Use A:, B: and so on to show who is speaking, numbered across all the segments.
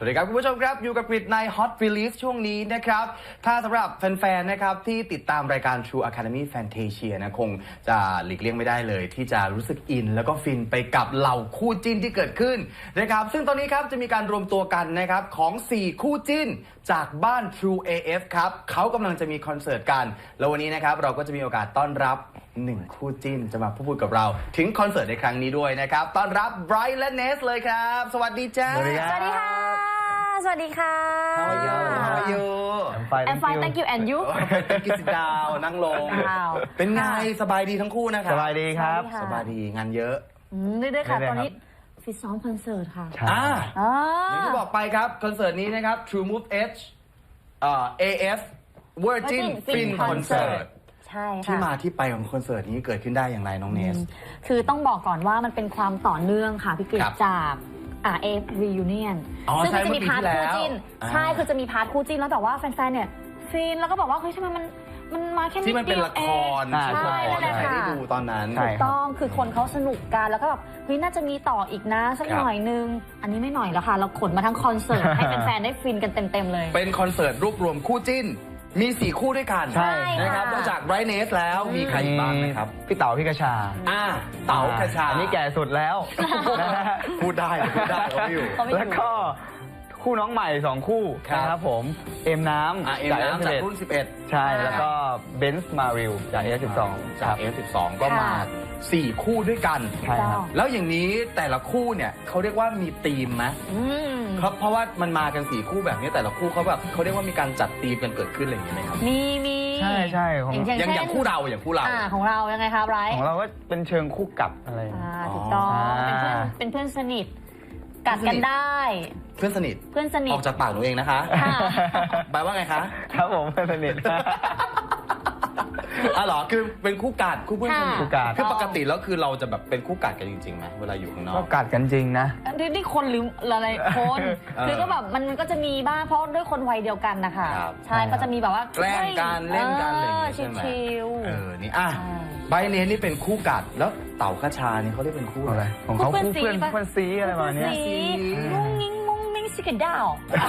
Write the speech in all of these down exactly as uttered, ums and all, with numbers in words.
A: วัสดีครับคุณผู้ชมครับอยู่กับกริดใน Hot Release ช่วงนี้นะครับถ้าสำหรับแฟนๆนะครับที่ติดตามรายการ True Academy Fantasia นะคงจะหลีกเลี่ยงไม่ได้เลยที่จะรู้สึกอินแล้วก็ฟินไปกับเหล่าคู่จิ้นที่เกิดขึ้นนะครับซึ่งตอนนี้ครับจะมีการรวมตัวกันนะครับของสี่คู่จิ้นจากบ้าน True เอ เอฟ ครับเขากำลังจะมีคอนเสิร์ตกันแล้ววันนี้นะครับเราก็จะมีโอกาสต้อนรับหนึ่งคู่จิ้นจะมาพูดกับเราถึงคอนเสิร์ตในครั้งนี้ด้วยนะครับต้อนรับไบรท์และเนสเลยครับสวัสดีจ้า
B: สวัสดีค่ะ
C: สวัสดีค่ะ
A: How are you How are you
B: I'm fine
C: I'm fine thank you and you
A: กินดาวนั่งลง เป็นไงสบายดีทั้งคู่นะครับ
B: สบายดีครับ
A: สบายดีงานเยอะ
C: อืมเรื่อยๆค่ะ
B: เรื่อยๆ
C: ตอนนี้ฟิตซ้อมคอนเสิร์ตค่ะ
B: ใช่
A: อ่า
C: อ่า
A: อย่างที่บอกไปครับคอนเสิร์ตนี้นะครับ True Move H เอ่อ เอ เอฟ Virgin Fin Concert
C: ใช่
A: ที่
C: ค่ะ
A: มาที่ไปของคอนเสิร์ตนี้เกิดขึ้นได้อย่างไรน้องเนส
C: คือต้องบอกก่อนว่ามันเป็นความต่อเนื่องค่ะพี่กฤษ
A: ครับ
C: จากอ่าเอฟรียูเนียน
A: อ๋อ
C: ซึ่งมันจะมี
A: ใช่
C: พาร์ท
A: เมื่อปีที่
C: คู่จิ้น
A: แล้วอ่า
C: ใช่คือจะมีพาร์ทคู่จิ้นแล้วแต่ว่าแฟนๆเนี่ยฟินแล้วก็บอกว่าเฮ้ยทำไมมันมันมาแค่นิด
A: ที่มันเป็น
C: เดียว
A: ละคร
C: เอง
A: ใช่
C: นั่นแหละ
A: ใคร
C: ค่ะ
A: ได้ดูตอนนั้น
B: ใช่
C: ถูกต้องคือคนเขาสนุกกันแล้วก็แบบเฮ้ยน่าจะมีต่ออีกนะสัก
A: ครับ
C: หน่อยนึง อันนี้ไม่หน่อยแล้วค่ะ เราขนมาทั้งคอนเสิร์ต ให้แฟนๆได้ฟินกันเต็มๆเลย
A: เป็นคอนเสิร์ตรวบรวมคู่จิ้น มีสี่คู่ด้วยกัน
B: ใช่
A: นะครับ
C: ค่ะ
A: นอกจากไบรท์เนสแล้วมีใครอีกบ้างนะครับ
B: พี่เต๋าพี่กระชา
A: อ่าเต๋ากระชา
B: อันนี้แก่สุดแล้วนะฮะ
A: พูดได้พูดได้เขาไม่อยู่
C: เขาไม่อยู่
B: แล้วก็คู่น้องใหม่สองคู่
A: ครับ
B: นะครับผมเอ็มน้ำ
A: อ่าเอ็มน้ำจากรุ่นสิบเอ็ด
B: ใช่แล้วก็เบนซ์มาริลจากเอสสิบสอง
A: จาก เอฟ สิบสอง ก็มาสี่คู่ด้วยกัน
B: ใช่ครับ
A: แล้วอย่างนี้แต่ละคู่เนี่ยเขาเรียกว่ามีธีมไหม
C: อืม
A: ครับเพราะว่ามันมากันสี่คู่แบบนี้แต่ละคู่เขาแบบเขาเรียกว่ามีการจัดธีมกันเกิดขึ้นอะไรอย่างนี้ไหมครับ
C: มีมี
B: ใช่ใช่ของ
C: อย่าง
A: อย่าง
C: เช่น
A: อย่างคู่เราอย่างคู่เรา
C: อ่าของเรายังไงคะไบรท์
B: ของเราก็เป็นเชิงคู่กัดอะไรอย่างเงี้ย
C: อ่าถูกต้อง
B: อ่า
C: เป็นเพื่อนเป็นเพื่อนสนิทกัดกันได้
A: เพื่อนสนิท
C: เพื่อนสนิ
A: อ
C: ท
A: อกจากปากหนูเองนะคะ
C: ค่ะ
A: แปลว่าไงคะ
B: ครับผมเพื่อนสนิท
A: อ๋อเหรอคือเป็นคู่กัดคู่เพื่อนสนิท
C: ค่ะ
B: คู่กัด
A: คือปกติแล้วคือเราจะแบบเป็นคู่กัดกันจริงๆไหมเวลาอยู่ข้างนอ
B: ก็
A: ก
B: กัดกันจริงนะ
C: นี่นี่คนหรืออะไรคน
A: เออ
C: คือก็แบบมันมันก็จะมีบ้างเพราะด้วยคนวัยเดียวกันนะคะ
A: ครับ
C: ใช่ก็จะมีแบบว่า
A: แกล้งกันเล่นกันอะไรอย่างเงี้ย
C: เออ
A: ใช่ไหม
C: ชิว
A: เออนี่อ่ะ
C: ใช่
A: ใบเนสนี่เป็นคู่กัดแล้วเต่าคาชานี่เขาเรียกเป็นคู่
B: อะ
A: อะไร ไร
B: ของเขาคู่เพื่อน
C: คู่เพื่
B: เพื่
C: อ
B: อน น
C: ซี
B: ซีอะไรประมาณเนี้ย
C: สีมุ้งมิ้งมุ้งมิ้งสิกระดาว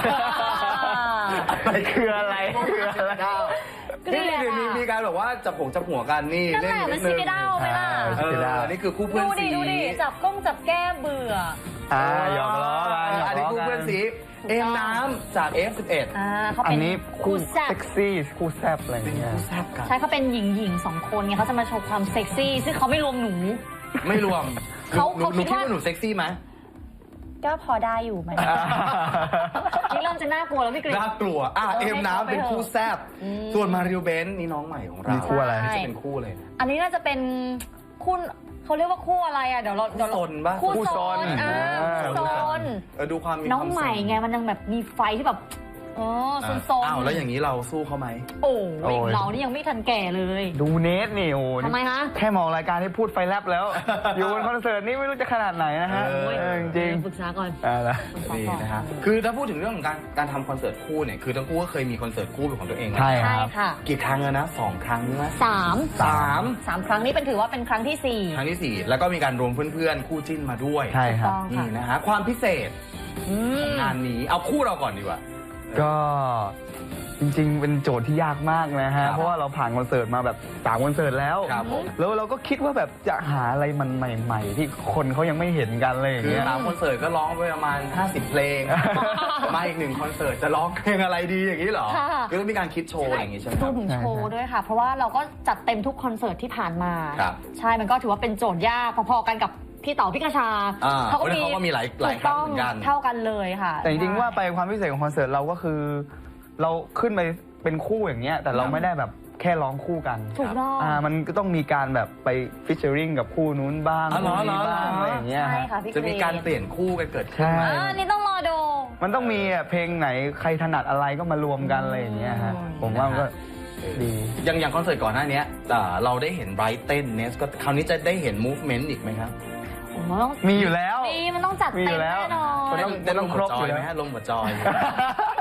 B: อะไรคืออะไรคืออะไร
C: เกลี
A: นี่
C: ยด
A: เดี๋ยวนี้มี
C: อะ
A: การแบบว่าจับผงจับหัวกันนี่
C: นั่นแหละมันสิกระดาวไหมล่ะ
A: เออนี่คือคู่เพื่อน
C: ดู
A: สี
C: ดิดูดิจับก้งจับแก้เบื่อ
B: อ่าหยอกล้อกันหยอก
A: อันนี้
B: ล้อ
A: คู่
B: กั
A: เพื่อน
B: น
A: สีเอ็มน้ำจาก เอฟ สิบเอ็ด
C: อ่าเขา
B: อั
C: เป็น น
B: นี้คู่
C: แซ่บ
B: เซ็กซี่คู่แซบอะไรอ
A: เป็น
B: ย่างเงี้ย
A: คู่แซ่บกัน
C: ใช่เขาเป็นหญิงหญิงสองคนไงเขาจะมาโชว์ความเซ็กซี่ซึ่งเขาไม่รวมหนู
A: ไม่รวม
C: เขา
A: หนู
C: เขา
A: หนู
C: คิด
A: คิด
C: ว่า
A: ว่าหนูเซ็กซี่ไหม
C: ก็พอได้อยู่ไหมนี่เริ่มจะน่ากลัวแล้วพี่กฤษ
A: น่ากลัวอ่ะ
C: เออ
A: เอ็มน้ำเป็นคู่แซ่บ
C: อืม
A: ส่วนมาริโอเบนนี่น้องใหม่ของเรา
B: มีคู่อะไร
A: นี่จะเป็นคู่เลย
C: อันนี้น่าจะเป็นคู่เขาเรียกว่าคู่อะไรอ่ะเดี๋ยวเราเดี๋ยวเรา
A: คู่ซนปะ
C: คู่
B: คู่
C: ซ
B: ซ
C: น
B: น
C: อ่า
B: อ่า
C: คู่ซน
A: เออดูความมี
C: น้อง
A: ความ
C: ใหม่
A: สน
C: ไงมันยังแบบมีไฟที่แบบเออซนซน
A: อ้าวแล้วอย่างนี้เราสู้เขาไหม
C: โอ้
B: โอ้
C: ย
B: ย
C: เรานี่ยังไม่ทันแก่เลย
B: ดูเนสนี่โอ้
C: ทำไมฮะ
B: แค่มองรายการที่พูดไฟแลบแล้ว อยู่บนคอนเสิร์ตนี่ไม่รู้จะขนาดไหนนะฮะ
A: เออ
B: เออจริง
C: ปรึกษาก่อน
B: ๆอ่าละ
A: นี่นะฮะคือถ้าพูดถึงเรื่องของการการทำคอนเสิร์ตคู่เนี่ยคือทั้งคู่ก็เคยมีคอนเสิร์ตคู่เป็นของตัวเองนะ
B: ใช่ค
C: ใช่
B: รับ
C: ค่ะ
A: กี่ครั้งแล้วนะสองครั้งไหม
C: สาม
A: สาม
C: สามครั้งนี้เป็นถือว่าเป็นครั้งที่สี่
A: ครั้งที่สี่แล้วก็มีการรวมเพื่อนๆคู่จิ้นมาด้วย
B: ใช่ครับ
C: ต้อง
A: นี่
C: ค่ะ
A: นะฮะความพิเศษ
C: อืม
A: งานนี้เอาคู่เราก่อนดีกว่า
B: ก็จริงๆ เป็นโจทย์ที่ยากมากนะ
A: ครั
B: ฮะ
A: บ
B: เพราะว่าเราผ่านคอนเสิร์ตมาแบบสามคอนเสิร์ตแล้ว
A: ครับผม
B: แล้วเราก็คิดว่าแบบจะหาอะไรมันใหม่ ๆ ที่คนเขายังไม่เห็นกันอะไรอย่าง
A: คือ
B: เงี้ย
A: สามคอนเสิร์ตก็ร้องไปประมาณห้าสิบเพลง มาอีกหนึ่งคอนเสิร์ตจะร้องเพลงอะไรดีอย่างนี้เหรอ
C: ค่ะ
A: คือต้องมีการคิดโชว์อะไรอย่างงี้ใช่ไหมค
C: ร
A: รั
C: ว
A: บ
C: มถึงโชว์ด้วยค่ะ เพราะว่าเราก็จัดเต็มทุกคอนเสิร์ตที่ผ่านมา
A: ครับ
C: ใช่ มันก็ถือว่าเป็นโจทย์ยากพอๆกันกับพี่เต๋อพี่กระชา
A: อ่าเขาก็มีหลายหลายครั้งเหมือนกัน
C: ถูเท่ากันเลยค่ะ
B: แต่จริงๆว่าไปความพิเศษของคอนเสิร์ตเราก็คือ เราขึ้นไปเป็นคู่อย่างเงี้ยแต่เราไม่ได้แบบแค่ร้องคู่กัน
C: ถูกต้อง
B: อ่ามันก็ต้องมีการแบบไปฟิชเชอริงกับคู่นู้นบ้าง
A: อ๋อเหรอ
B: คู่นี้บ้าง
A: เหรอ
B: อะไรอย่างเงี้ย
C: ใช่
B: ฮะ
C: ค่ะพี่
A: จะมีการเปลี่ยนคู่กันเกิดขึ้น
B: ใช่
A: ไหม
C: อ่านี่ต้องรอดู
B: มันต้องมีอ่ะเพลงไหนใครถนัดอะไรก็มารวมกันอะไรอย่างเงี้ยฮะ
C: อืม
B: ผมว่ามันก็ดี
A: อย่างอย่างคอนเสิร์ตก่อนหน้านี้อ่าเราได้เห็นไบรท์เต้นเนสก็คราวนี้จะได้เห็นมูฟเมนต์อีกไหมครับ
C: ผมว่าต้อง
B: มีอยู่แล้ว
C: มีมันต้องจัด
B: มีอ
C: เต็ม
B: ยู่แล้ว
C: แน่นอน
B: มันต้อง
A: ได้ลง
B: ครบ
A: หัวจอย
B: อยู่แล้ว
A: ไหมฮะลงหัวจอย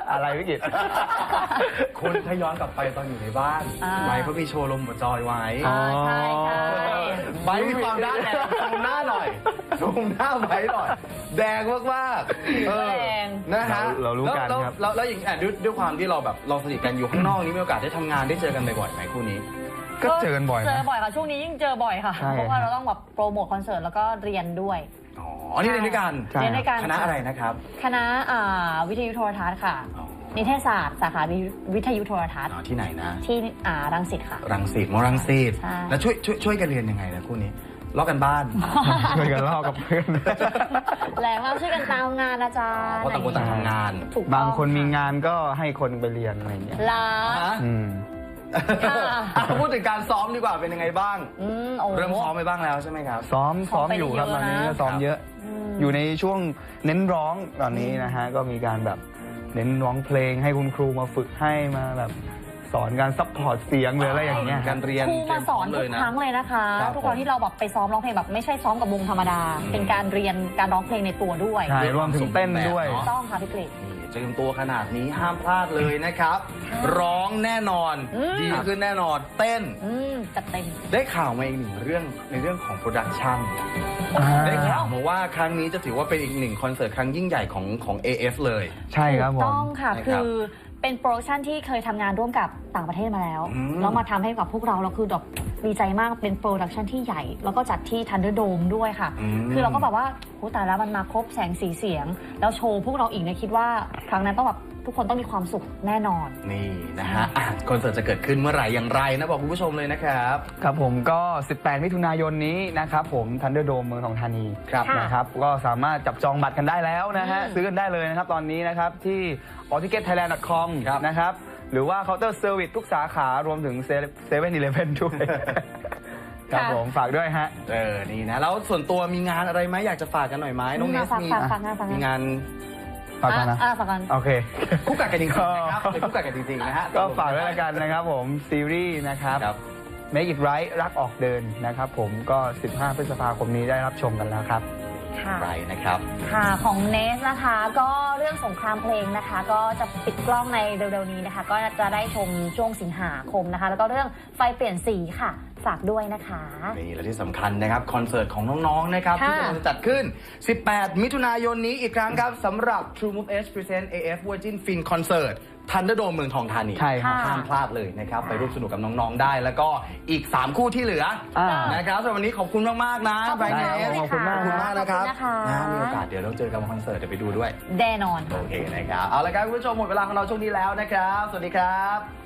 B: อะไรวิกฤต
A: คุณถ้าย้อนกลับไปตอนอยู่ในบ้าน
C: อ่า
A: ไบร์ทเขามีโชว์ลมหัวจอยไว้
C: อ่าใช่ใช่
A: ไบร์ทมีความด้านแดงซูมหน้าหน่อยซูมหน้าไบร์ทหน่อย แดงมากๆเออ
C: แดง
A: นะฮะ
B: เราเรารู้กัน
A: แล้ว
B: ครับ
A: แล้วแล้วอย่างอ่ะด้วยด้วยความที่เราแบบเราสนิทกันอยู่ข้างนอกนี้มีโอกาสได้ทำงานได้เจอกันบ่อยๆไหมคู่นี้
B: ก็เจอกันบ่อย
C: เจอ
B: นะ
C: บ่อยค่ะ ช่วงนี้ยิ่งเจอบ่อยค่ะ
B: ใช่
C: เพราะว่าเราต้องแบบโปรโมทคอนเสิร์ตแล้วก็เรียนด้วย
A: อ๋อนี่เรียนด้วยกัน
B: ใช่
C: เรียนด้วยกัน
A: คณะอะไรนะครับ
C: คณะอ่าวิทยุโทรทัศน์ค่ะ
A: อ๋อ
C: นิเทศศาสตร์สาขาวิทยุโทรทัศน์
A: อ๋อที่ไหนนะ
C: ที่อ่ารังสิตค่ะ
A: รังสิตมอรังสิต
C: ใช่
A: แล้วช่วยช่วยช่วยกันเรียนยังไงนะคู่นี้ลอกกันบ้าน
B: ช่วยกันลอกกับเพื่อน
C: แรงมากช่วยกันตามงานอาจารย์
A: เพราะต่างคนต่างทำงาน
C: ถูกต้อง
B: บางคนมีงานก็ให้คนไปเรียนอะไรอย่างเงี้ย
C: ลา
A: ฮะ
B: อืม
C: ค่ะ
A: อ่ะพูดถึงการซ้อมดีกว่าเป็นยังไงบ้าง
C: อืมโอ้
A: เริ่มซ้อมไปบ้างแล้วใช่ไหมครับ
B: ซ้อม
C: ซ้
B: ซ้
C: อ
B: อ
C: ม
B: ม
C: ไป
B: อยู่ครับ
C: เย
B: ต
C: อะ
B: อนนี้
C: นะ
B: ก็ซ้อมเยอะ
C: ม
B: อยู่ในช่วงเน้นร้องตอนนี้นะฮะก็มีการแบบเน้นร้องเพลงให้คุณครูมาฝึกให้มาแบบสอนการซัพพอร์ตเสียงหรืออะไรอย่างเงี้ย
A: การเรียน
C: ครูมาสอน
A: เตรี
C: ทุ
A: ย
C: ก
A: มพร้อมเลยนะ
C: ครั้งเลยนะคะ
A: ครับ
C: ทุกครั้งที่เราแบบไปซ้อมร้องเพลงแบบไม่ใช่ซ้อมกับวงธรรมดา
A: อืม
C: เป็นการเรียนการร้องเพลงในตัวด้วย
B: ใช่รวมถึงเต้นด้วย
A: เนอะ
C: ต้องค่ะพี่กฤษ
A: นี่เตรียมตัวขนาดนี้ห้ามพลาดเลยนะครับ ร้องแน่นอน
C: อืม
A: ดีขึ้นแน่นอน เต้น
C: อืมจัดเต็ม
A: ได้ข่าวมาอีกหนึ่งเรื่องในเรื่องของโปรดักชัน
B: อ่า
A: ได้ข่าวมาว่าครั้งนี้จะถือว่าเป็นอีกหนึ่งคอนเสิร์ตครั้งยิ่งใหญ่ของของ เอ เอฟ เลย
B: ใช่ครับผ
C: ถูก
B: ม
C: ต้องค่ะ
A: นะครับ
C: คือเป็นโปรดักชันที่เคยทำงานร่วมกับต่างประเทศมาแล้ว
A: อืม
C: แล้วมาทำให้กับพวกเราเราคือแบบดีใจมากเป็นโปรดักชันที่ใหญ่ แล้วก็จัดที่ทันเดอร์โดมด้วยค่ะ
A: ม
C: คือเราก็แบบว่าโหตายแล้วมันมาครบแสงสีเสียง แล้วโชว์พวกเราอีกเนี่ยคิดว่าครั้งนั้นต้องแบบทุกคนต้องมีความสุขแน่นอน
A: นี่นะฮะอ่ะคอนเสิร์ตจะเกิดขึ้นเมื่อไหร่อย่างไรนะบอกคุณผู้ชมเลยนะครับ
B: ครับผมก็ สิบแปด มิถุนายนนี้นะครับผมทันเดอร์โดมเมืองทองธานี
A: ครับ
C: ค่ะ
B: นะครับก็สามารถจับจองบัตรกันได้แล้วนะฮะ
C: อืม
B: ซื้อกันได้เลยนะครับตอนนี้นะครับที่ ออ ทิเก็ต ไทยแลนด์ ดอท คอม
A: ครับ
B: นะครับหรือว่าเคาน์เตอร์เซอร์วิสทุกสาขารวมถึงเซเว่นอีเลฟเว่นด้วยครับผมฝากด้วยฮะ
A: เออ นี่นะ แล้วส่วนตัวมีงานอะไรไหมอยากจะฝากกันหน่อยไหมน้องเนส
C: ฝาก
A: มี
C: ฝากฝากงานฝากงาน
A: มีงาน
B: ฝากกันนะ
C: อ่ะอ่ะฝากกัน
B: โอเค
A: คู่กัดกันจริงๆนะครับเป็นคู่กัดกันจริงๆนะฮะ
B: ก็ฝากด้วยละกันนะครับผมซีรีส์นะครับ
A: ครับ
B: Make It Right รักออกเดินนะครับผมก็ สิบห้า พฤษภาคมนี้ได้รับชมกันแล้วครับ
C: ค่ะ
A: ไรนะครับ
C: ค่ะของเนสนะคะก็เรื่องสงครามเพลงนะคะ ก็จะปิดกล้องในเร็วๆนี้นะคะ ก็จะได้ชมช่วงสิงหาคมนะคะ แล้วก็เรื่องไฟเปลี่ยนสีค่ะฝากด้วยนะคะ
A: นี่และที่สำคัญนะครับ คอนเสิร์ตของน้อง ๆ นะครับ
C: ค่ะ
A: ที่กำลังจะจัดขึ้น สิบแปด มิถุนายนนี้อีกครั้งครับสำหรับ True Move H Present เอ เอฟ Virgin Fin Concert ทันเดอร์โดมเมืองทองธานี
B: ใช่ครับ
A: ห้ามพลาดเลยนะครับ ไปร่วมสนุกกับน้อง ๆ ได้ แล้วก็อีก สาม คู่ที่เหลือ
B: อ่า
A: นะครับสำหรับวันนี้ขอบคุณมาก ๆ นะ
C: ขอบ
A: ไบ
C: คุ
A: ร
C: ณ
A: ท์เน
C: ค่ะ
A: ส
B: ขอบคุณมาก
A: ขอบคุณมากนะครับ
C: ขอบคุณนะคะ
A: นะมีโอกาสเดี๋ยวเราเจอกันบนคอนเสิร์ตเดี๋ยวไปดูด้วย
C: แน่นอน
A: โอเคนะครับ เอาละครับคุณผู้ชมหมดเวลาของเราช่วงนี้แล้วนะครับ สวัสดีครับ